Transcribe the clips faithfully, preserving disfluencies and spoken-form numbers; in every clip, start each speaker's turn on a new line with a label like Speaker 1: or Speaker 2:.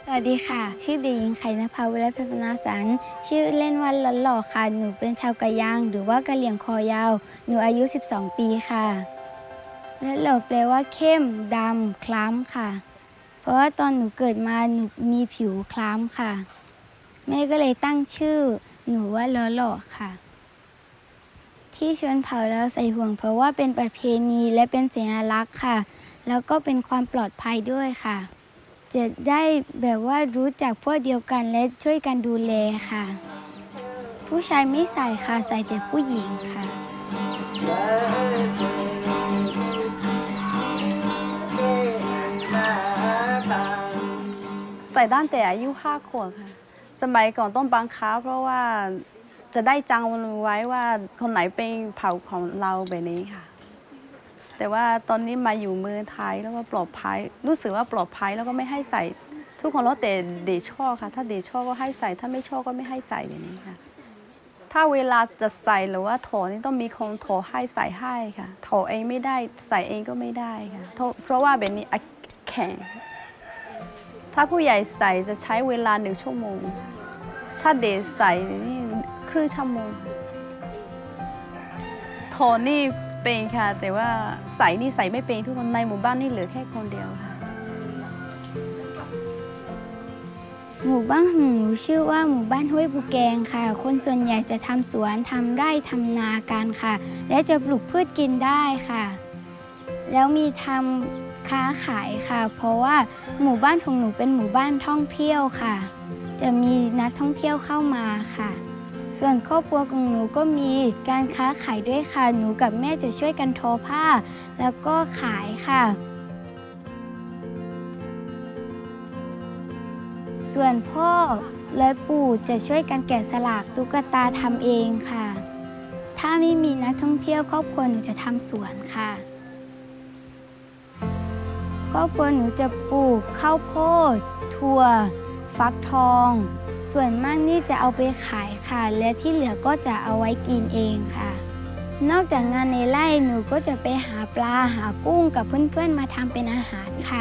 Speaker 1: สวัสดีค่ะชื่อเด็กหญิงไข่นภาวิไลเพชรพนาสันชื่อเล่นว่าลันหล่อค่ะหนูเป็นชาวกะยางหรือว่ากะเหรี่ยงคอยาวหนูอายุสิบสองปีค่ะและหล่อแปลว่าเข้มดำคล้ำค่ะเพราะว่าตอนหนูเกิดมาหนูมีผิวคล้ำค่ะแม่ก็เลยตั้งชื่อหนูว่าล้อหล่อค่ะที่ชนเผ่าเราใส่ห่วงเพราะว่าเป็นประเพณีและเป็นสัญลักษณ์ค่ะแล้วก็เป็นความปลอดภัยด้วยค่ะจะได้แบบว่ารู้จักพวกเดียวกันและช่วยกันดูแลค่ะผู้ชายไม่ใส่ค่ะใส่แต่ผู้หญิงค่ะ
Speaker 2: ใส่ตั้งแต่อายุห้าขวบค่ะสมัยก่อนต้องบังคับเพราะว่าจะได้จำไว้ว่าคนไหนเป็นเผ่าของเราแบบนี้ค่ะแต่ว่าตอนนี้มาอยู่เมืองไทยแล้วก็ปลอดภัยรู้สึกว่าปลอดภัยแล้วก็ไม่ให้ใส่ทุกคนแล้วแต่เดชชอบค่ะถ้าเดชชอบก็ให้ใส่ถ้าไม่ชอบก็ไม่ให้ใส่แบบนี้ค่ะถ้าเวลาจะใส่หรือว่าถอดนี่ต้องมีคนถอดให้ใส่ให้ค่ะถอดเองไม่ได้ใส่เองก็ไม่ได้ค่ะเพราะว่าแบบนี้แข็งถ้าผู้ใหญ่ใส่จะใช้เวลาหนึ่งชั่วโมงถ้าเด็กใส่นี่ครึ่งชั่วโมงถอดนี่เป็นค่ะแต่ว่าใส่นี่ใส่ไม่เป็นทุกคนในหมู่บ้านนี่เหลือแค่คนเดียวค่ะ
Speaker 1: หมู่บ้านของหนูชื่อว่าหมู่บ้านห้วยปูแกงค่ะคนส่วนใหญ่จะทำสวนทำไร่ทำนากันค่ะและจะปลูกพืชกินได้ค่ะแล้วมีทำค้าขายค่ะเพราะว่าหมู่บ้านของหนูเป็นหมู่บ้านท่องเที่ยวค่ะจะมีนักท่องเที่ยวเข้ามาค่ะส่วนครอบครัวของหนูก็มีการค้าขายด้วยค่ะหนูกับแม่จะช่วยกันทอผ้าแล้วก็ขายค่ะส่วนพ่อและปู่จะช่วยกันแกะสลักตุ๊กตาทำเองค่ะถ้าไม่มีนักท่องเที่ยวครอบครัวหนูจะทำสวนค่ะครอบครัวหนูจะปลูกข้าวโพดถั่วฟักทองส่วนมากนี่จะเอาไปขายค่ะและที่เหลือก็จะเอาไว้กินเองค่ะนอกจากงานในไร่หนูก็จะไปหาปลาหากุ้งกับเพื่อนๆมาทำเป็นอาหารค่ะ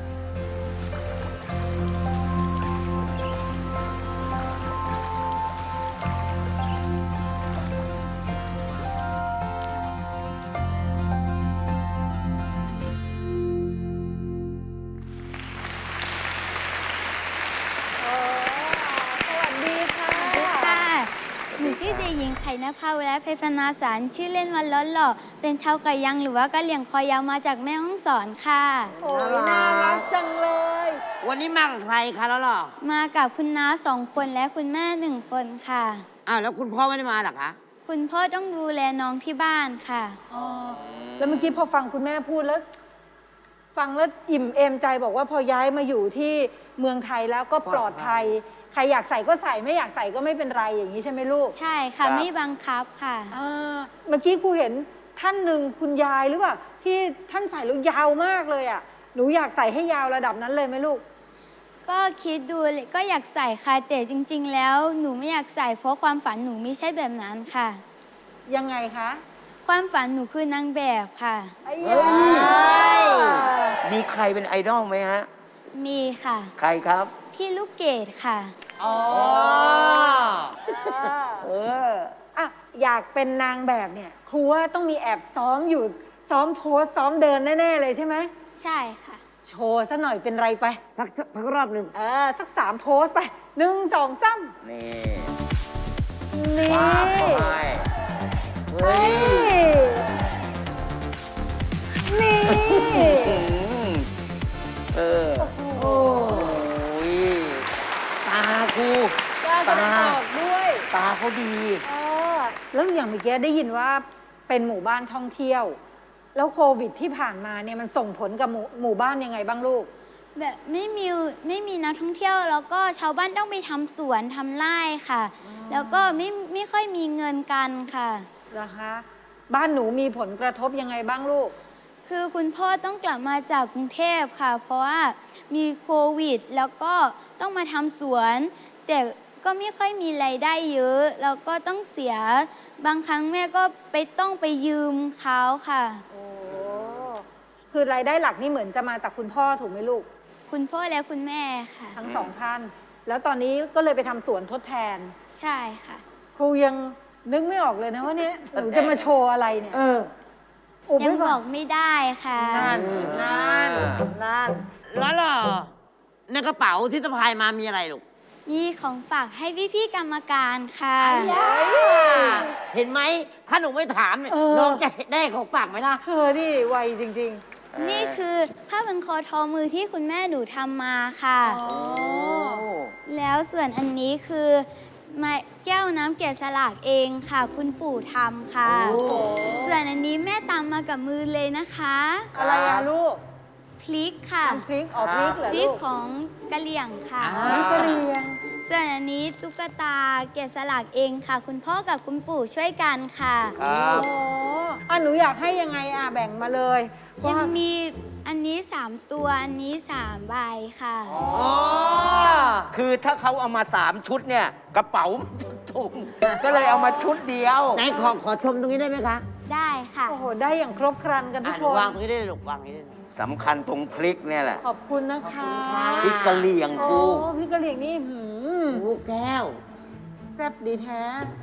Speaker 1: หนูชื่อเด็กหญิงไข่นภาวิไลเพชรพนาสันชื่อเล่นว่าล้อหล่อเป็นชาวกะยังหรือว่ากะเหรี่ยงคอยาวมาจากแม่ฮ่องสอนค่ะ
Speaker 3: โอ้ยน่ารักจังเลย
Speaker 4: วันนี้มากับใครคะแล้วหรอ
Speaker 1: มากับคุณน้าสองคนและคุณแม่หนึ่งคนค่ะ
Speaker 4: อ้าวแล้วคุณพ่อไม่ได้มาหรอคะ
Speaker 1: คุณพ่อต้องดูแลน้องที่บ้านค่ะ
Speaker 3: อ๋อ แล้วเมื่อกี้พอฟังคุณแม่พูดแล้ว ฟังแล้วอิ่มเอมใจบอกว่าพอย้ายมาอยู่ที่เมืองไทยแล้วก็ปลอดภัย ใครอยากใส่ก็ใส่ไม่อยากใส่ก็ไม่เป็นไรอย่างนี้ใช่ไหมลูก
Speaker 1: ใช่ค่ะไม่บังคับค่ะ
Speaker 3: เมื่อกี้ครูเห็นท่านหนึ่งคุณยายหรือเปล่าที่ท่านใส่แล้วยาวมากเลยอ่ะหนูอยากใส่ให้ยาวระดับนั้นเลยไหมลูก
Speaker 1: ก็คิดดูก็อยากใส่ค่ะแต่จริงๆแล้วหนูไม่อยากใส่เพราะความฝันหนูไม่ใช่แบบนั้นค่ะ
Speaker 3: ยังไงคะ
Speaker 1: ความฝันหนูคือนางแบบค่ะ
Speaker 4: มีใครเป็นไอดอลไหมฮะ
Speaker 1: มีค่ะ
Speaker 4: ใครครับ
Speaker 1: พี่ลูกเกดค่ะ
Speaker 3: อ๋อเอออ่ะอยากเป็นนางแบบเนี่ยครูว่าต้องมีแอบซ้อมอยู่ซ้อมโพสซ้อมเดินแน่ๆเลยใช่ไหม
Speaker 1: ใช่ค่ะ
Speaker 3: โชว์ซะหน่อยเป็นไรไป
Speaker 4: สักสักรอบหนึ่ง
Speaker 3: เออสักสามโพสไปหนึ่งสองสาม
Speaker 4: นี่
Speaker 3: นี่
Speaker 4: ว้าวเฮ้ย
Speaker 3: นี่
Speaker 4: เออโอ้ยตาครู
Speaker 3: ตาออกด้วย
Speaker 4: ตาเขาดี
Speaker 3: เออแล้วอย่างเมื่อกี้ได้ยินว่าเป็นหมู่บ้านท่องเที่ยวแล้วโควิดที่ผ่านมาเนี่ยมันส่งผลกับหมู่หมู่บ้านยังไงบ้างลูก
Speaker 1: แบบไม่มีไม่มีนักท่องเที่ยวแล้วก็ชาวบ้านต้องไปทำสวนทำไร่ค่ะแล้วก็ไม่ไม่ค่อยมีเงินกันค่ะ
Speaker 3: เหรอคะบ้านหนูมีผลกระทบยังไงบ้างลูก
Speaker 1: คือคุณพ่อต้องกลับมาจากกรุงเทพค่ะเพราะว่ามีโควิดแล้วก็ต้องมาทำสวนแต่ก็ไม่ค่อยมีรายได้เยอะแล้วก็ต้องเสียบางครั้งแม่ก็ไปต้องไปยืมเขาค่ะ
Speaker 3: โอ้คือรายได้หลักนี่เหมือนจะมาจากคุณพ่อถูกไหมลูก
Speaker 1: คุณพ่อและคุณแม่ค่ะ
Speaker 3: ทั้งสองท่าน แล้วตอนนี้ก็เลยไปทำสวนทดแทน
Speaker 1: ใช่ค่ะ
Speaker 3: ครูยังนึกไม่ออกเลยนะว่าเนี่ยหนูจะมาโชว์อะไรเนี่ย
Speaker 4: เออ
Speaker 3: อุบ
Speaker 1: ยัง
Speaker 3: ไว้
Speaker 1: บ
Speaker 3: ก่
Speaker 1: อ
Speaker 3: อน
Speaker 1: กไม่ได้ค่ะ
Speaker 3: นั่นนั่นนั่น
Speaker 4: แล้วเหรอในกระเป๋าที่สะพายมามีอะไรลูก
Speaker 1: นี่ของฝากให้พี่ๆกรรมการค่ะ
Speaker 4: เห็นไหม ถ้าหนูไม่ถามเนี่ย
Speaker 3: เออ
Speaker 4: น้องจะได้ของฝากไหมล่ะ
Speaker 3: เธอนี่ไวจริง
Speaker 1: นี่คือผ้าพันคอทอมือที่คุณแม่หนูทำมาค่ะ
Speaker 3: ๆ อ๋อ
Speaker 1: แล้วส่วนอันนี้คือไม้แก้วน้ำแกะสลักเองค่ะ คุณปู่ทำค่ะ
Speaker 4: โอ้
Speaker 1: ส่วนอันนี้แม่ตำมากับมือเลยนะคะ
Speaker 3: อะไรอะลูก
Speaker 1: พริกค่ะ
Speaker 3: น้ำพริกออกพริกเหรอ
Speaker 1: พริ
Speaker 3: ลู
Speaker 1: ก
Speaker 3: ก
Speaker 1: ของกะเหรี่ยงค่ะ
Speaker 3: พริกกะเหรี่ยง
Speaker 1: ส่วนอันนี้ตุ๊กตาแกะสลักเองค่ะ คุณพ่อกับคุณปู่ช่วยกันค่ะ
Speaker 4: ครับ
Speaker 3: โอ้อ่ะหนูอยากให้ยังไงอ่ะแบ่งมาเลย
Speaker 1: ยัง
Speaker 3: ว่า
Speaker 1: มีอันนี้สามตัวอันนี้สามใบค่ะ
Speaker 4: อ๋อ
Speaker 5: คือถ้าเขาเอามาสามชุดเนี่ย กระเป๋ามันจะถุงก็เลยเอามาชุดเดียว
Speaker 4: ไหนขอขอชมตรงนี้ได้ไหมคะ
Speaker 1: ได้ค่ะ
Speaker 3: โอ้โห ได้อย่างครบครันกันทุ
Speaker 4: อ่ะ
Speaker 3: ก
Speaker 4: ห
Speaker 3: ค
Speaker 4: นู
Speaker 3: น
Speaker 4: วางตรงนี้ได้เลยลูกวางตรงนี้ได้เลย
Speaker 5: สำคัญตรงพริกเนี่ยแหละ
Speaker 3: ขอบคุณนะคะ
Speaker 5: พริกกะเหรี่ยง
Speaker 3: โอ้
Speaker 5: กู
Speaker 3: พริกกะเหรี่ยงนี่หืม
Speaker 4: ลูกแก้ว
Speaker 3: แซ่บดีแท้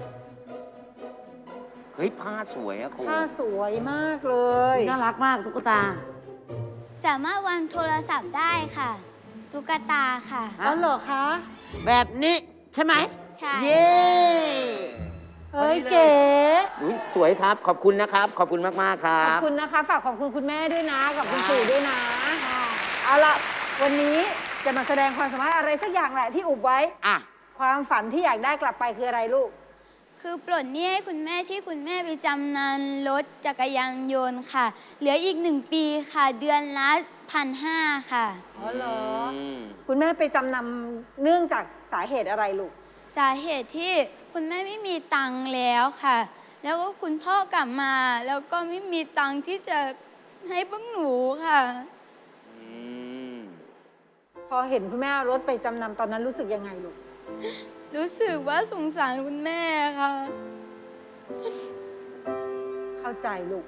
Speaker 5: เฮ้ย ผ้าสวยอะครู
Speaker 3: ผ้าสวยมากเลย
Speaker 4: น่ารักมากตุ๊กตา
Speaker 1: สามารถวางโทรศัพท์ได้ค่ะ ตุ๊กตาค่ะ
Speaker 4: ฮะ
Speaker 3: อ๋อเหรอคะ
Speaker 4: แบบนี้ใช่ไหม
Speaker 1: ใช่
Speaker 4: เย้
Speaker 3: เฮ้ยเก๋
Speaker 5: อุ๊ยสวยครับ ขอบคุณนะครับ ขอบคุณมาก ๆ ครั
Speaker 3: ขอบบ คุณนะคะ ฝากขอบคุณคุณแม่ด้วยนะ กับคุณปู่ด้วยนะ เอาละวันนี้จะมาแสดงความสามารถอะไรสักอย่างแหละที่อุบไว้
Speaker 4: อ่ะ
Speaker 3: ความฝันที่อยากได้กลับไปคืออะไรลูก
Speaker 1: คือปลดหนี้ให้คุณแม่ที่คุณแม่ไปจำนำรถจักรยานยนต์ค่ะ เหลืออีกหนึ่งปีค่ะ เดือนละพันห้าค่ะ
Speaker 3: อ๋อเหรอ
Speaker 5: อืม
Speaker 3: คุณแม่ไปจำนำเนื่องจากสาเหตุอะไรลูก
Speaker 1: สาเหตุที่คุณแม่ไม่มีตังค์แล้วค่ะ แล้วก็คุณพ่อกลับมา แล้วก็ไม่มีตังค์ที่จะให้พวกหนูค่ะ
Speaker 5: อืม
Speaker 3: พอเห็นคุณแม่เอารถไปจำนำตอนนั้นรู้สึกยังไงลูก
Speaker 1: รู้สึกว่าสงสารคุณแม่ค่ะ
Speaker 3: เข้าใจลูก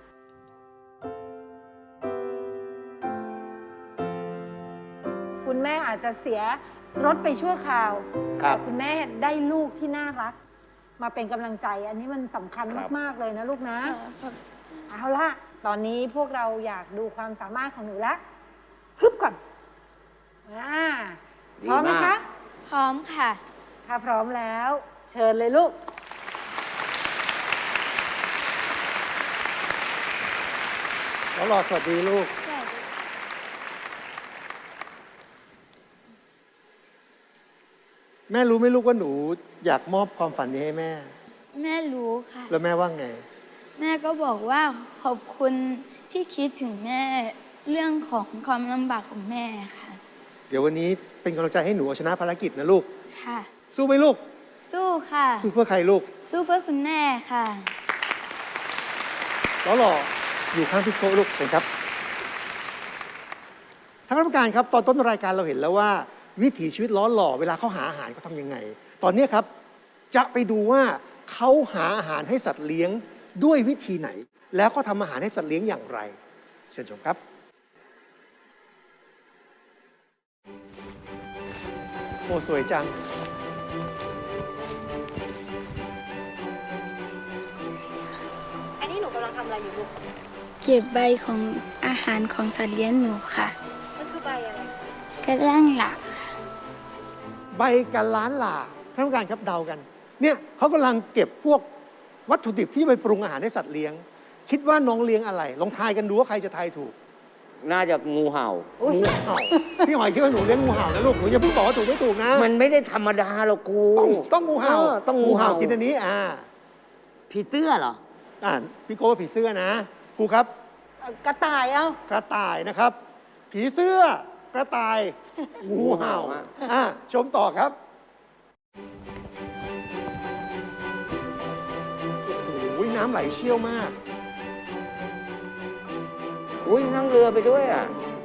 Speaker 3: คุณแม่อาจจะเสียรถไปชั่วคราว
Speaker 5: ครับ
Speaker 3: แต่คุณแม่ได้ลูกที่น่ารัก มาเป็นกำลังใจ อันนี้มันสำคัญ
Speaker 5: ครับ
Speaker 3: มาก ๆ เลยนะลูกนะ เอาละตอนนี้พวกเราอยากดูความสามารถของหนูแล้วฮึบก่อนอ่าพร้อมไหมคะ
Speaker 1: พร้อมค่ะ
Speaker 3: ถ้าพร้อมแล้ว เชิญเลยลูก
Speaker 6: แล้วรอสวัสดีลูก แม่รู้ไหมลูกว่าหนูอยากมอบความฝันนี้ให้แม่
Speaker 1: แม่รู้ค่ะ
Speaker 6: แล้วแม่ว่าไง
Speaker 1: แม่ก็บอกว่าขอบคุณที่คิดถึงแม่เรื่องของความลำบากของแม่ค่ะ
Speaker 6: เดี๋ยววันนี้เป็นกำลังใจให้หนูเอาชนะภารกิจนะลูก
Speaker 1: ค่ะ
Speaker 6: สู้ไหมลูก
Speaker 1: สู้ค่ะ
Speaker 6: สู้เพื่อใครลูก
Speaker 1: สู้เพื่อคุณแม่ค่ะ
Speaker 6: ล้อหล่ออยู่ข้างพี่โก้ลูกเชิญครับทางกรรมการครับ ตอนต้นรายการเราเห็นแล้วว่า วิถีชีวิตล้อหล่อเวลาเขาหาอาหารเขาทำยังไง ตอนนี้ครับจะไปดูว่าเขาหาอาหารให้สัตว์เลี้ยงด้วยวิธีไหน แล้วก็ทำอาหารให้สัตว์เลี้ยงอย่างไร เชิญชมครับ โอ้สวยจัง
Speaker 3: อันนี้หนูกำลังทำอะไรอยู่ลูก
Speaker 1: เก็บใบของอาหารของสัตว์เลี้ยงหนูค่ะ
Speaker 3: มันคือใบอะไร
Speaker 1: กระด้างหลัก
Speaker 6: ใบกันล้านหล่าท่านผู้การครับเดากัน เนี่ยเขากำลังเก็บพวกวัตถุดิบที่ไปปรุงอาหารให้สัตว์เลี้ยง คิดว่าน้องเลี้ยงอะไร ลองทายกันดูว่าใครจะทายถูก
Speaker 5: น่าจะงูเห่า
Speaker 6: งูเห่าพี่หอยคิดว่าหนูเลี้ยงงูเห่านะลูกหนูอย่าเพิ่งบอกว่าถูกไม่ถูกนะ
Speaker 5: มันไม่ได้ธรรมดาหรอกครู
Speaker 6: ต้องต้องงูเห่า
Speaker 5: เออต้องงูเห่า
Speaker 6: กินอันนี้อ่า
Speaker 4: ผีเสื้อเหรอ
Speaker 6: อ่าพี่โก้ว่าผีเสื้อนะครูครับ
Speaker 3: เอ่อกระต่ายเอ้า
Speaker 6: กระต่ายนะครับ ผีเสื้อ กระต่าย งูเห่าอ่าชมต่อครับโอ้โหน้ำไหลเชี่ยวมาก
Speaker 5: อุ้ยนั่งเรือไปด้วยอ่ะ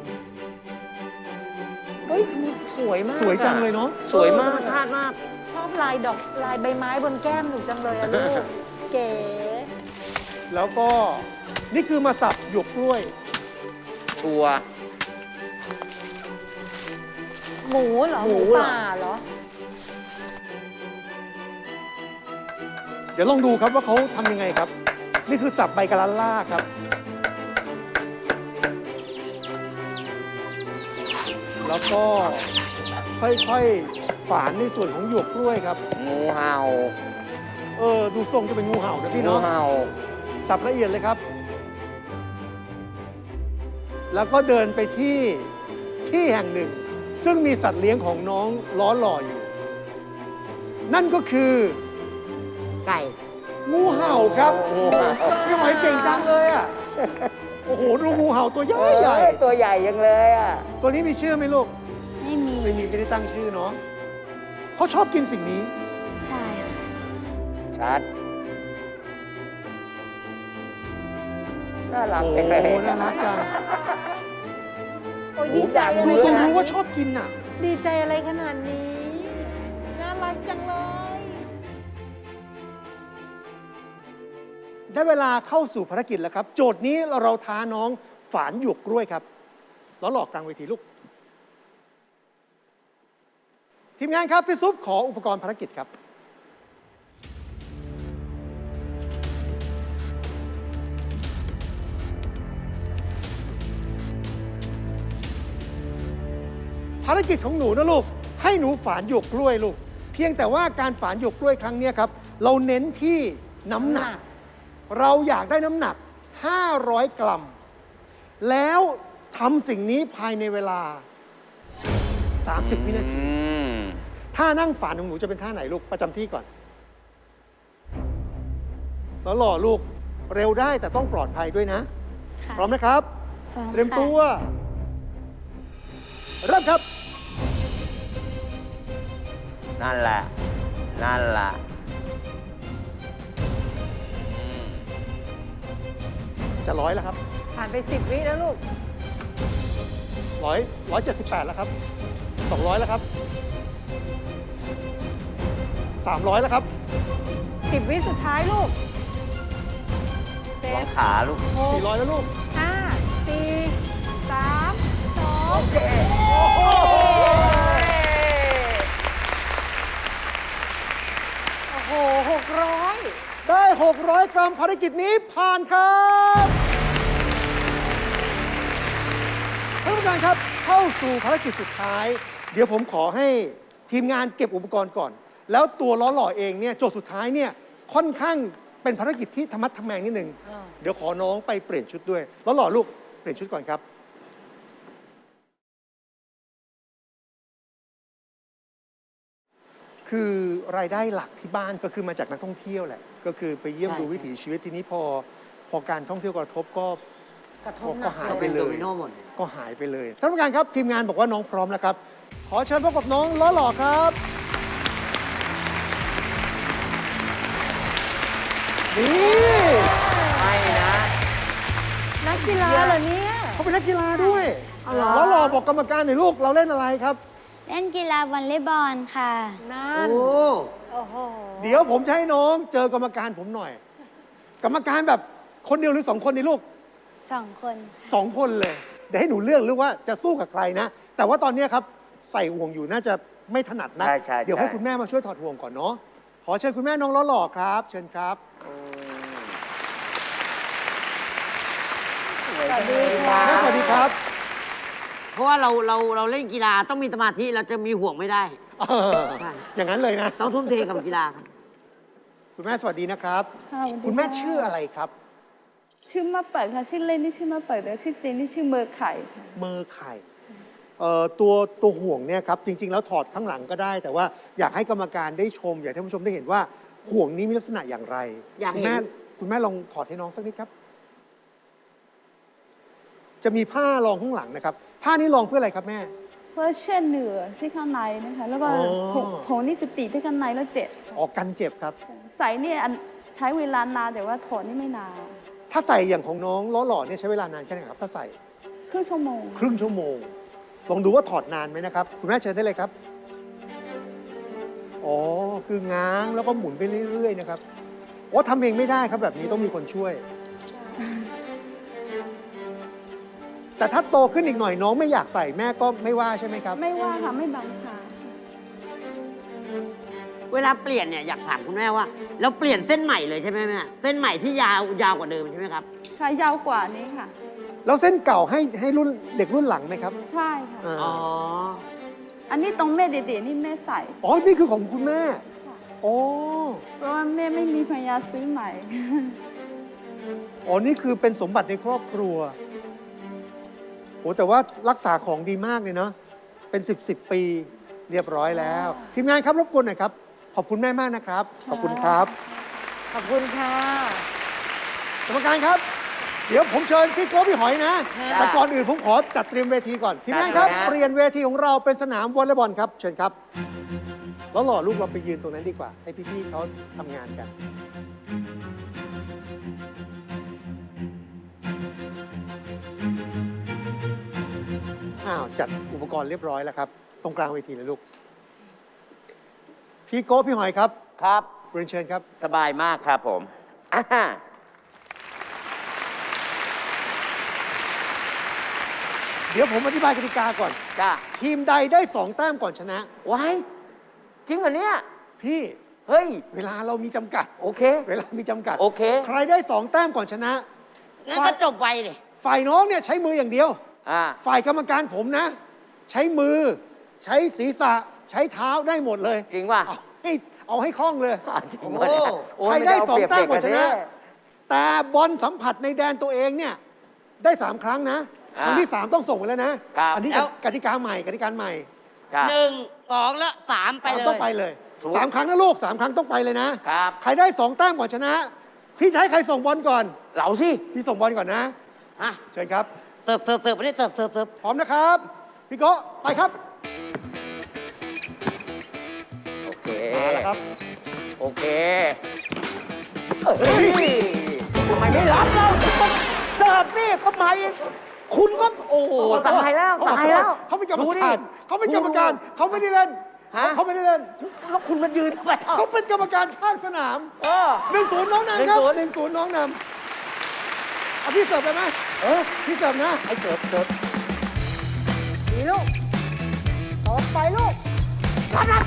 Speaker 5: เฮ้ย สวยมาก
Speaker 6: สวยจัง
Speaker 5: อะ
Speaker 6: เลยเนาะ
Speaker 5: สวยมาก
Speaker 4: คาดมาก
Speaker 3: ชอบลายดอกลายใบไม้บนแก้มหนูจังเลยอะลูก เก๋
Speaker 6: แล้วก็นี่คือมาสับหยวกกล้วย
Speaker 5: ชัวร์
Speaker 3: หมูเหรอ
Speaker 4: ห
Speaker 3: ห
Speaker 4: มู
Speaker 3: มู
Speaker 4: เหรอ
Speaker 3: ป่าเหรอ
Speaker 6: เดี๋ยวลองดูครับว่าเขาทำยังไงครับ นี่คือสับใบกะลันล่าครับ แล้วก็ค่อยๆฝานในส่วนของหยวกกล้วยครับ
Speaker 5: งูเห่า
Speaker 6: เออ ดูทรงจะเป็นงูเห่านะพี่
Speaker 5: งู
Speaker 6: เนาะ
Speaker 5: เห่า
Speaker 6: สับละเอียดเลยครับ แล้วก็เดินไปที่ที่แห่งหนึ่ง ซึ่งมีสัตว์เลี้ยงของน้องล้อหล่ออยู่ นั่นก็คือ
Speaker 4: ไก่
Speaker 6: งูเห่าครับ
Speaker 5: งูเห่า
Speaker 6: พี่หอยเก่งจังเลยอ่ะ โอ้โห ดูงูเห่าตัวใหญ่ใหญ่
Speaker 5: เอ้ยตัวใหญ่ยังเลยอ่ะ
Speaker 6: ตัวนี้มีชื่อไหมลูก
Speaker 1: ไม่มี
Speaker 6: ไม่มีไม่ได้ตั้งชื่อเนาะเขาชอบกินสิ่งนี้
Speaker 1: ใช่ค่ะ
Speaker 5: ชัด น่ารัก
Speaker 6: โอ้
Speaker 5: จังเลย
Speaker 6: น่ารักจัง
Speaker 3: โอ้ยดีใจอะ
Speaker 6: ดู
Speaker 3: ไร
Speaker 6: ตัว
Speaker 3: ขนาด
Speaker 6: รู้
Speaker 3: นี้
Speaker 6: ว่าชอบกินอ่ะ
Speaker 3: ดีใจอะไรขนาดนี้ น่ารักจังเลย
Speaker 6: ได้เวลาเข้าสู่ภารกิจแล้วครับ โจทย์นี้เราท้าน้องฝานหยวกกล้วยครับแล้วหลอกกลางเวทีลูก ทีมงานครับ พี่ซุปขออุปกรณ์ภารกิจครับ ภารกิจของหนูนะลูก ให้หนูฝานหยวกกล้วยลูก เพียงแต่ว่าการฝานหยวกกล้วยครั้งเนี้ยครับ เราเน้นที่น้ำหนัก เราอยากได้น้ำหนัก ห้าร้อย กรัม แล้วทำสิ่งนี้ภายในเวลา สามสิบ วินาที
Speaker 5: อืม
Speaker 6: ท่านั่งฝานของหนูจะเป็นท่าไหนลูก ประจำที่ก่อน แล้วหล่อลูก เร็วได้แต่ต้องปลอดภัยด้วยนะ
Speaker 1: ค่ะ
Speaker 6: พร้อมนะครับ
Speaker 1: พร้อม
Speaker 6: เตรียม
Speaker 1: ค่ะ
Speaker 6: ตัว เริ่มครับ
Speaker 5: นั่นแหละ นั่นแหละอืม
Speaker 6: จะร้อยแล้วครับ
Speaker 3: ผ่านไปสิบวิแล้วลูก
Speaker 6: ร้อยร้อยเจ็ดสิบแปดแล้วครับสองร้อยแล้วครับสามร้อยแล้วครับ
Speaker 3: สิบวิสุดท้ายลูกเจ็
Speaker 5: วา
Speaker 3: ด
Speaker 5: งขาลูก
Speaker 3: หก
Speaker 6: สี่ร้อยแล้วลูก
Speaker 3: ห้าสี่สามสอง
Speaker 5: โอเค
Speaker 3: โอ้โหหกร้อย
Speaker 6: ได้ หกร้อย กรัม ภารกิจนี้ผ่านครับท่านผู้การครับ เข้าสู่ภารกิจสุดท้าย เดี๋ยวผมขอให้ทีมงานเก็บอุปกรณ์ก่อน แล้วตัวล้อหล่อเองเนี่ยโจทย์สุดท้ายเนี่ยค่อนข้างเป็นภารกิจที่ธรรมัดทแมงนิดนึง เดี๋ยวขอน้องไปเปลี่ยนชุดด้วยล้อหล่อลูกเปลี่ยนชุดก่อนครับ คือรายได้หลักที่บ้านก็คือมาจากนักท่องเที่ยวแหละ ก็คือไปเยี่ยม
Speaker 4: ใช่
Speaker 6: ดูวิถีชีวิตทีนี้พอ พอการท่องเที่ยวกระทบก็
Speaker 3: กระท
Speaker 6: ก็
Speaker 3: บห
Speaker 6: ก็
Speaker 3: นัก
Speaker 6: หาย
Speaker 3: เล
Speaker 6: ไป
Speaker 3: ย
Speaker 6: เล
Speaker 4: โด
Speaker 6: ย
Speaker 4: มิโนหมด
Speaker 6: ก็หายไปเลยท่านผู้การครับ ทีมงานบอกว่าน้องพร้อมแล้วครับ ขอเชิญพบกับน้องล้อหล่อครับนี่
Speaker 5: ไม่นะ
Speaker 3: นักกีฬาเหรอเนี่ย
Speaker 6: เขาเป็นนักกีฬาด้วย
Speaker 4: เอาเหรอ
Speaker 6: ล้อหล่อบอกกรรมการหน่อยลูกเราเล่นอะไรครับ
Speaker 1: เล่นกีฬาวอลเลย์บอลค่ะ
Speaker 3: นั่น
Speaker 4: โอ้
Speaker 3: โอ้โห
Speaker 6: เดี๋ยวผมจะให้น้องเจอกรรมการผมหน่อย กรรมการแบบคนเดียวหรือสองคนนี่ลูก
Speaker 1: สองคน
Speaker 6: สองคนเลย เดี๋ยวให้หนูเลือกหรือว่าจะสู้กับใครนะ แต่ว่าตอนนี้ครับใส่ห่วงอยู่น่าจะไม่ถนัดนะ
Speaker 5: ใช่ใช่
Speaker 6: เดี๋ยวให้
Speaker 5: ใช่
Speaker 6: คุณแม่มาช่วยถอดห่วงก่อนเนาะ ขอเชิญคุณแม่น้องล้อหล่อครับ เชิญครับ
Speaker 3: สวัสดีค่ะ
Speaker 6: แม่สวัสดีครับ
Speaker 4: เพราะว่าเราเราเราเล่นกีฬาต้องมีสมาธิเราจะมีห่วงไม่ได้
Speaker 6: เออ
Speaker 4: ใช่
Speaker 6: อย่างนั้นเลยนะ
Speaker 4: ต้องทุ่มเทกับกีฬาครับ
Speaker 6: คุณแม่สวัสดีนะครับ
Speaker 7: ค่ะสวัสดี
Speaker 6: คุณแม่
Speaker 7: ะ
Speaker 6: ชื่ออะไรครับ
Speaker 7: ชื่อมาเปิดค่ะ ชื่อเล่นนี่ชื่อมาเปิดแล้วชื่อจริงนี่ชื่อเมอร์ไข่ค่ะ
Speaker 6: เมอร์ไข่เอ่อตัวตัวห่วงเนี่ยครับจริง ๆ แล้วถอดข้างหลังก็ได้ แต่ว่าอยากให้กรรมการได้ชม อยากให้ท่านผู้ชมได้เห็นว่าห่วงนี้มีลักษณะอย่างไร
Speaker 4: อยาก
Speaker 6: คุณ
Speaker 4: เห็น
Speaker 6: แม่คุณแม่ลองถอดให้น้องสักนิดครับ จะมีผ้ารองข้างหลังนะครับ ผ้านี้รองเพื่ออะไรครับแม่
Speaker 7: เพื่อเช่นเหนือที่ข้างในนะคะ แล้วก็
Speaker 6: อ๋อ
Speaker 7: ผมผมนี่จะติดที่ข้างในแล้วเจ็บ
Speaker 6: ออกกันเจ็บครับ
Speaker 7: ใส่เนี่ยอันใช้เวลานานแต่ว่าถอดนี่ไม่นาน
Speaker 6: ถ้าใส่อย่างของน้องล้อหล่อเนี่ยใช้เวลานานแค่ไหนครับ ถ้าใส่
Speaker 7: ครึ่งชั่วโมง
Speaker 6: ครึ่งชั่วโมง ลองดูว่าถอดนานไหมนะครับ คุณแม่เชิญได้เลยครับ อ๋อ คือง้างแล้วก็หมุนไปเรื่อยๆนะครับอ๋อทำเองไม่ได้ครับแบบนี้ต้องมีคนช่วย แแต่ถ้าโตขึ้นอีกหน่อยน้องไม่อยากใส่แม่ก็ไม่ว่าใช่ไหมครับ
Speaker 7: ไม่ว่าค่ะไม่บังคับ
Speaker 4: เวลาเปลี่ยนเนี่ยอยากถามคุณแม่ว่าเราเปลี่ยนเส้นใหม่เลยใช่ไหมแม่เส้นใหม่ที่ยาวยาวกว่าเดิมใช่ไหมครับ
Speaker 7: ค่ะยาวกว่านี้ค่ะ
Speaker 6: แล้วเส้นเก่าให้ให้รุ่นเด็กรุ่นหลังไหมครับ
Speaker 7: ใช่ค่ะ
Speaker 6: อ่า
Speaker 4: อ๋อ
Speaker 7: อันนี้ตรงแม่เด็ดๆนี่แม่ใส่
Speaker 6: อ๋อ นี่คือของคุณแม่โอ้
Speaker 7: เพราะว่าแม่ไม่มีภรรยาซื้อใหม่
Speaker 6: อ๋อ นี่คือเป็นสมบัติในครอบครัวโอ้แต่ว่ารักษาของดีมากเลยเนาะ เป็นสิบสิบปีเรียบร้อยแล้ว ทีมงานครับรบกวนหน่อยครับ ขอบคุณแม่มากนะครับ ขอบคุณครับ
Speaker 3: ขอบคุณค่ะ
Speaker 6: กรรมการครับ เดี๋ยวผมเชิญพี่โก้พี่หอยนะ แต่ก่อนอื่นผมขอจัดเตรียมเวทีก่อน ทีมงานครับ เปลี่ยนเวทีของเราเป็นสนามวอลเลย์บอลครับ เชิญครับ แล้วหล่อลูกเราไปยืนตรงนั้นดีกว่า ให้พี่ๆเขาทำงานกัน อ้าว จัดอุปกรณ์เรียบร้อยแล้วครับ ตรงกลางเวทีเลยลูก พี่โก้พี่หอยครับ
Speaker 5: ครับ
Speaker 6: เรียนเชิญครับ
Speaker 5: สบายมากครับผมอ่า
Speaker 6: เดี๋ยวผมอธิบายกติกาก่อน
Speaker 5: จ้า
Speaker 6: ทีมใดได้สองแต้มก่อนชนะ
Speaker 5: ว้ายจริงเหรอเนี่ย
Speaker 6: พี่
Speaker 5: เฮ้ย
Speaker 6: เวลาเรามีจำกัด
Speaker 5: โอเค
Speaker 6: เวลามีจำกัด
Speaker 5: โอเค
Speaker 6: ใครได้สองแต้มก่อนชนะ
Speaker 4: งั้นก็จบไวเลย
Speaker 6: ฝ่ายน้องเนี่ยใช้มืออย่างเดียว
Speaker 5: อ่า
Speaker 6: ฝ่ายกรรมการผมนะ ใช้มือ ใช้ศีรษะ ใช้เท้าได้หมดเลย
Speaker 5: จริงป่ะ
Speaker 6: เอาให้เอาให้คล่องเลย
Speaker 5: อ่าจริงป่ะเนี่ยโอ้ย
Speaker 6: ใครได้
Speaker 5: ม่
Speaker 6: สอง
Speaker 5: เาเปรียบ
Speaker 6: แต้มก่อนชนะ
Speaker 5: เด็
Speaker 6: แต่บอลสัมผัสในแดนตัวเองเนี่ยได้สามครั้งนะ
Speaker 5: อ่า
Speaker 6: ครั้งที่สามต้องส่งไปแล้วนะ
Speaker 5: ครับ
Speaker 6: อันนี้
Speaker 4: แล้ว
Speaker 6: กติกาใหม่กติกาใหม่
Speaker 5: จ้า
Speaker 4: หนึ่งสองแล้วสามไป
Speaker 6: สาม
Speaker 4: เลย
Speaker 6: ต้องไปเลย
Speaker 5: ถูก
Speaker 6: สามครั้งนะลูกสามครั้งต้องไปเลยนะ
Speaker 5: ครับ
Speaker 6: ใครได้สองแต้มก่อนชนะ พี่จะให้ใครส่งบอลก่อน
Speaker 5: เราสิ
Speaker 6: พี่ส่งบอลก่อนนะ
Speaker 4: อ่ะ
Speaker 6: เชิญครับ
Speaker 4: เสิร์ฟเสิร์ฟเสิร์ฟไปนี่เสิร์ฟเสิร์ฟเสิร์ฟ
Speaker 6: พร้อมนะครับ พี่โก้ไปครับ
Speaker 5: โอเค
Speaker 6: มาแล้วครับ
Speaker 5: โอเคเฮ้ยทำไมไม่รับเราเสิร์ฟนี่ก็มาเองคุณก็โอ้โหตายแล้วตายแล้ว
Speaker 6: เขาเป็นกรรม
Speaker 5: ดูดิ
Speaker 6: การเขาเป็นกรรมการเขาไม่ได้เล่น
Speaker 5: ฮะ
Speaker 6: เขาไม่ได้เล่น
Speaker 5: แล้วคุณมายืนทำไม
Speaker 6: เขาเป็นกรรมการข้างสนาม
Speaker 5: เออ
Speaker 6: หนึ่งศูนย์น้องนำครับ
Speaker 5: ห
Speaker 6: ห
Speaker 5: นึ่
Speaker 6: นึ่
Speaker 5: ง
Speaker 6: ง
Speaker 5: ศู
Speaker 6: ศู
Speaker 5: น
Speaker 6: น
Speaker 5: ย์
Speaker 6: ย์น้องนำเอาพี่เสิร์ฟไปไหม
Speaker 5: เออ
Speaker 6: พี่เสิร์ฟนะ
Speaker 5: ไอ้เสิร์ฟเสิร์ฟ
Speaker 3: ดีลูกต่อไปลูก
Speaker 4: รับรับ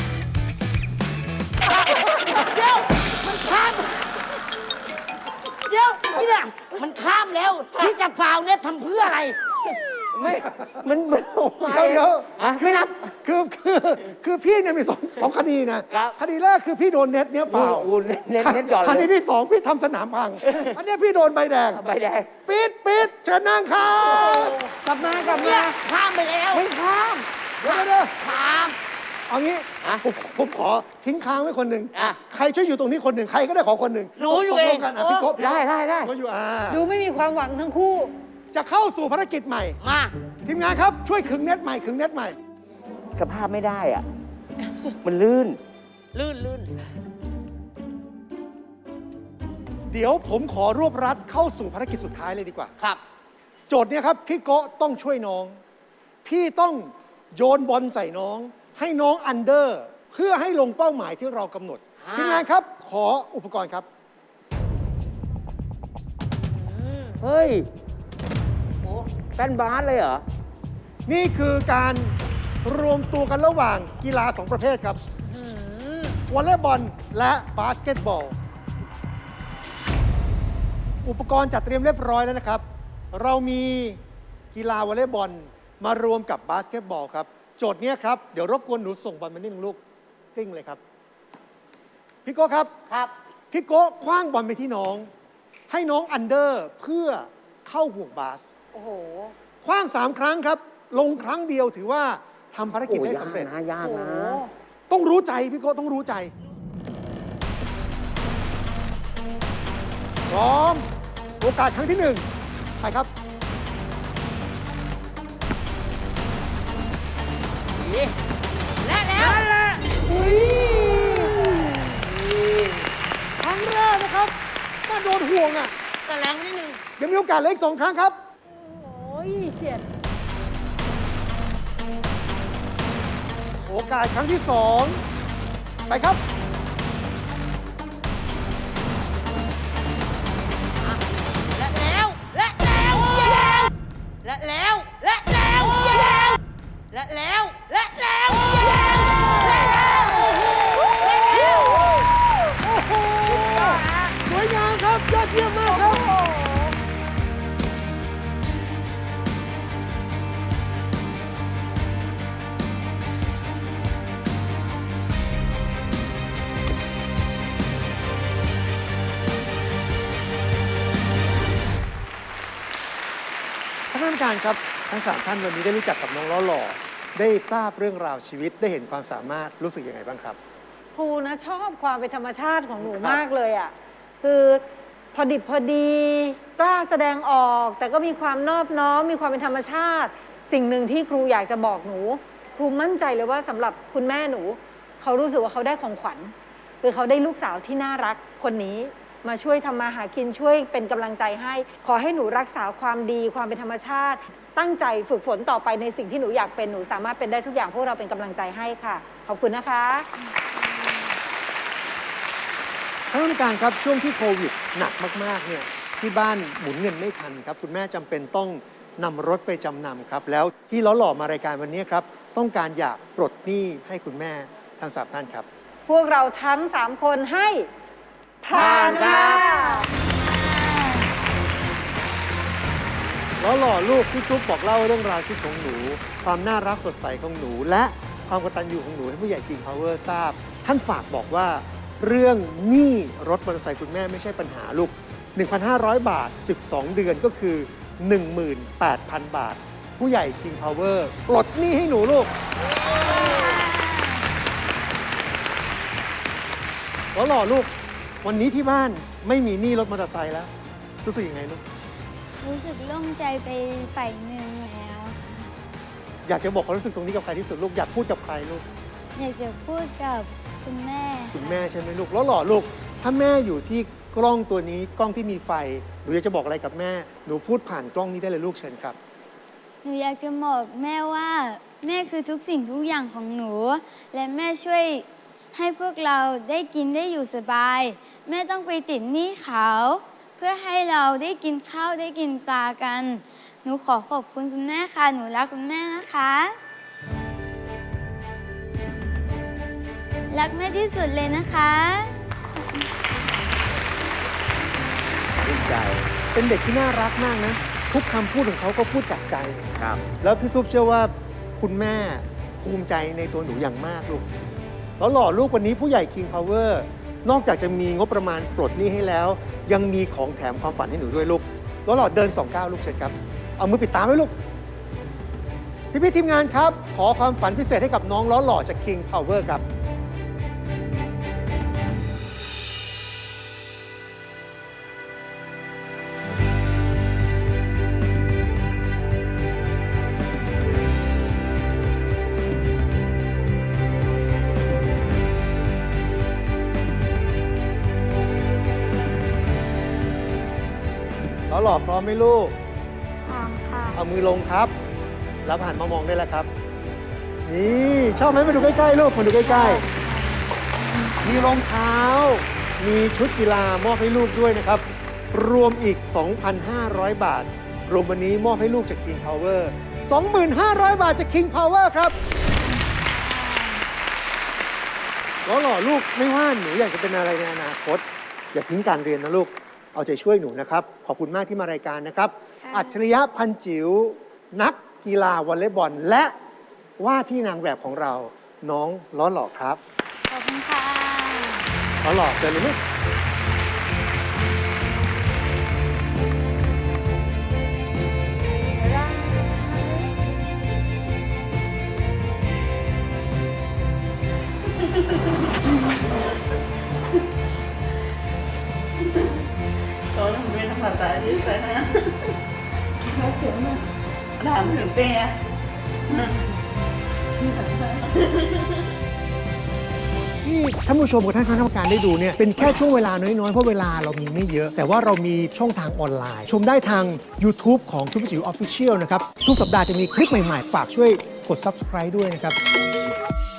Speaker 4: เดี๋ยวมันข้ามเดี๋ยวนี่เนี่ยมันข้ามแล้วพี่จะฟาวเนี่ยทำเพื่ออะไร
Speaker 5: ไม่มันมันออกมา
Speaker 6: เดี๋ยวเดี๋ยว
Speaker 5: อ่ะไม่รับ
Speaker 6: คือคือคือพี่เนี่ยมีสองสองคดีนะครับ คดีแรกคือพี่โดนเน็ตเนี่ย
Speaker 5: ฟา
Speaker 6: ฟาว
Speaker 5: วเน้นเน้นเน้นหย่อน
Speaker 6: คดี
Speaker 5: เลย
Speaker 6: ที่สองพี่ทำสนามพัง อันเนี้ยพี่โดนใบแดง
Speaker 5: ใบแดง
Speaker 6: ปิดปิดเชิญนั่งครับ
Speaker 3: กลับมากลับ
Speaker 4: เนี่
Speaker 3: มา
Speaker 4: ยข้ามไปแล้ว
Speaker 6: ไม่ข้ามเดี๋ยวเดี๋ยวเดี๋ยว
Speaker 4: ข้าม
Speaker 6: เอางี้
Speaker 5: อ่ะ
Speaker 6: ผมผมขอทิ้งค้างไว้คนหนึ่ง
Speaker 5: อ่ะ
Speaker 6: ใครช่วยอยู่ตรงนี้คนหนึ่งใครก็ได้ขอคนหนึ่ง
Speaker 4: รู้อยู่
Speaker 6: ตกล
Speaker 4: เอง
Speaker 6: กันอ่ะพี่โก้
Speaker 5: ได้ได้ได้
Speaker 6: ก็อยู่อ่า
Speaker 3: ดูไม่มีความหวังทั้งคู่
Speaker 6: จะเข้าสู่ภารกิจใหม่
Speaker 4: มา
Speaker 6: ทีมงานครับช่วยขึงเน็ตใหม่ขึงเน็ตใหม่
Speaker 5: สภาพไม่ได้อ่ะ มันลื่น
Speaker 4: ลื่นลื่น
Speaker 6: เดี๋ยวผมขอรวบรัดเข้าสู่ภารกิจสุดท้ายเลยดีกว่า
Speaker 4: ครับ
Speaker 6: โจทย์เนี้ยครับพี่โกะต้องช่วยน้อง พี่ต้องโยนบอลใส่น้อง ให้น้องอันเดอร์ เพื่อให้ลงเป้าหมายที่เรากำหนด
Speaker 4: อ่า
Speaker 6: ทีมงานครับ ขออุปกรณ์ครับ
Speaker 5: เฮ้ยแป้นบาสเลยเหรอ
Speaker 6: นี่คือการรวมตัวกันระหว่างกีฬาสองประเภทครับวอลเลย์บอลและบาสเกตบอล อุปกรณ์จัดเตรียมเรียบร้อยแล้วนะครับ เรามีกีฬาวอลเลย์บอลมารวมกับบาสเกตบอลครับ โจทย์เนี้ยครับ เดี๋ยวรบกวนหนูส่งบอลมานิดนึงลูกกลิ้งเลยครับ พี่โก้ครับ
Speaker 4: ครับ
Speaker 6: พี่โก้คว้างบอลไปที่น้อง ให้น้องอันเดอร์เพื่อเข้าห่วงบาส
Speaker 3: โอ้โห
Speaker 6: คว้างสามครั้งครับ ลงครั้งเดียวถือว่าทำภารกิจ
Speaker 5: โอ้
Speaker 6: ได้
Speaker 5: ยาก
Speaker 6: สำเร็จ
Speaker 5: นะยาก
Speaker 3: โอ้โห
Speaker 5: นะ
Speaker 6: ต้องรู้ใจพี่โก้ต้องรู้ใจ พร้อม โอกาสครั้งที่หนึ่งไปครับ
Speaker 4: และแล้ว
Speaker 6: อุ้ยครั้งแรกนะครับมาโดนห่วงอ่ะ
Speaker 4: แต่แรงนิดนึง
Speaker 6: ยังมีโอกาสเหลืออีกสองครั้งครับ
Speaker 3: โอ้ยเฉียด
Speaker 6: โอกาสครั้งที่สองไปครับ
Speaker 4: และแล้ว และแล้วและแล้วและแล้วและแล้วและแล้วและแล้วและแล้วและแล้วและแล้ว
Speaker 6: สวยงามครับยอดเยี่ยมมากครับ ท่านผู้การครับทั้งสามท่านวันนี้ได้รู้จักกับน้องล้อหล่อได้ทราบเรื่องราวชีวิตได้เห็นความสามารถรู้สึกยังไงบ้างครับ
Speaker 3: ครูนะชอบความเป็นธรรมชาติของหนูมากเลยอ่ะคือพอดิบพอดีกล้าแสดงออก แต่ก็มีความนอบน้อมมีความเป็นธรรมชาติ สิ่งหนึ่งที่ครูอยากจะบอกหนู ครูมั่นใจเลยว่าสำหรับคุณแม่หนู เขารู้สึกว่าเขาได้ของขวัญคือเขาได้ลูกสาวที่น่ารักคนนี้มาช่วยทำมาหากินช่วยเป็นกำลังใจให้ ขอให้หนูรักษาความดีความเป็นธรรมชาติ ตั้งใจฝึกฝนต่อไปในสิ่งที่หนูอยากเป็นหนูสามารถเป็นได้ทุกอย่างพวกเราเป็นกำลังใจให้ค่ะขอบคุณนะคะ
Speaker 6: ท่านผู้การครับช่วงที่โควิดหนักมากๆเนี่ยที่บ้านหมุนเงินไม่ทันครับคุณแม่จำเป็นต้องนำรถไปจำนำครับแล้วที่ล้อหล่อมารายการวันนี้ครับต้องการอยากปลดหนี้ให้คุณแม่ทั้งสามท่านครับ
Speaker 3: พวกเราทั้งสามคนให้ผ่านค่ะ
Speaker 6: ล้อหล่อลูกพี่ซุปบอกเล่าเรื่องราวชีวิตของหนู ความน่ารักสดใสของหนู และความกตัญญูของหนูให้ผู้ใหญ่ King Power ทราบ ท่านฝากบอกว่าเรื่องหนี้รถมอเตอร์ไซค์คุณแม่ไม่ใช่ปัญหาลูก หนึ่งพันห้าร้อย บาท สิบสอง เดือนก็คือ หนึ่งหมื่นแปดพัน บาท ผู้ใหญ่ King Power ปลดหนี้ให้หนูลูกล้อหล่อลูกวันนี้ที่บ้านไม่มีหนี้รถมอเตอร์ไซค์แล้วรู้สึกยังไงลูก
Speaker 1: รู้สึกโล่งใจไปฝ่ายหนึ่งแล้ว
Speaker 6: อยากจะบอกความรู้สึกตรงนี้กับใครที่สุดลูกอยากพูดกับใครลูก
Speaker 1: อยากจะพูดกับคุณแม่
Speaker 6: คุณแม่ใช่ไหมลูกแล้วหล่อลูกถ้าแม่อยู่ที่กล้องตัวนี้กล้องที่มีไฟหนูอยากจะบอกอะไรกับแม่หนูพูดผ่านกล้องนี้ได้เลยลูกเชิญครับ
Speaker 1: หนูอยากจะบอกแม่ว่าแม่คือทุกสิ่งทุกอย่างของหนู และแม่ช่วยให้พวกเราได้กินได้อยู่สบาย แม่ต้องไปติดหนี้เขาเพื่อให้เราได้กินข้าวได้กินปลากัน หนูขอขอบคุณคุณแม่ค่ะ หนูรักคุณแม่นะคะ รักแม่ที่สุดเลยนะคะ
Speaker 5: ดีใจ
Speaker 6: เป็นเด็กที่น่ารักมากนะทุกคำพูดของเขาก็พูดจากใจ
Speaker 5: ครับ
Speaker 6: แล้วพี่ซุปเชื่อว่าคุณแม่ภูมิใจในตัวหนูอย่างมากลูกแล้วหล่อลูกวันนี้ผู้ใหญ่ King Power นอกจากจะมีงบประมาณปลดหนี้ให้แล้ว ยังมีของแถมความฝันให้หนูด้วยลูกแล้วหล่อเดินสองก้าวลูกเชิญครับเอามือปิดตาไว้ลูกพี่พี่ๆทีมงานครับขอความฝันพิเศษให้กับน้องล้อหล่อจาก King Power ครับล้อหล่อพร้อมไหมลูก
Speaker 1: พร้อมค่ะ
Speaker 6: เอามือลงครับ แล้วหันมามองได้แล้วครับ นี่ชอบไหมมาดูใกล้ๆลูกมาดูใกล้ๆมีรองเท้า มีชุดกีฬามอบให้ลูกด้วยนะครับ รวมอีก สองพันห้าร้อย บาท รวมวันนี้มอบให้ลูกจาก King Power สองพันห้าร้อย บาทจาก King Power ครับล้อหล่อลูกไม่ว่าหนูอยากจะเป็นอะไรในอนาคต อย่าทิ้งการเรียนนะลูก เอาใจช่วยหนูนะครับ ขอบคุณมากที่มารายการนะครับ
Speaker 1: ค่ะ
Speaker 6: อัจฉริยะพันจิ๋วนักกีฬาวอลเลย์บอล และว่าที่นางแบบของเราน้องล้อหล่อครับ
Speaker 1: ขอบคุณค่ะ
Speaker 6: ล้อหล่อเจอเลยลูกที่ท่านผู้ชมกับท่านคณะกรรมการได้ดูเนี่ยเป็นแค่ช่วงเวลาน้อยๆ เพราะเวลาเรามีไม่เยอะ แต่ว่าเรามีช่องทางออนไลน์ ชมได้ทาง YouTube ของซุปเปอร์จิ๋วออฟฟิเชียลนะครับ ทุกสัปดาห์จะมีคลิปใหม่ๆ ฝากช่วยกด Subscribe ด้วยนะครับ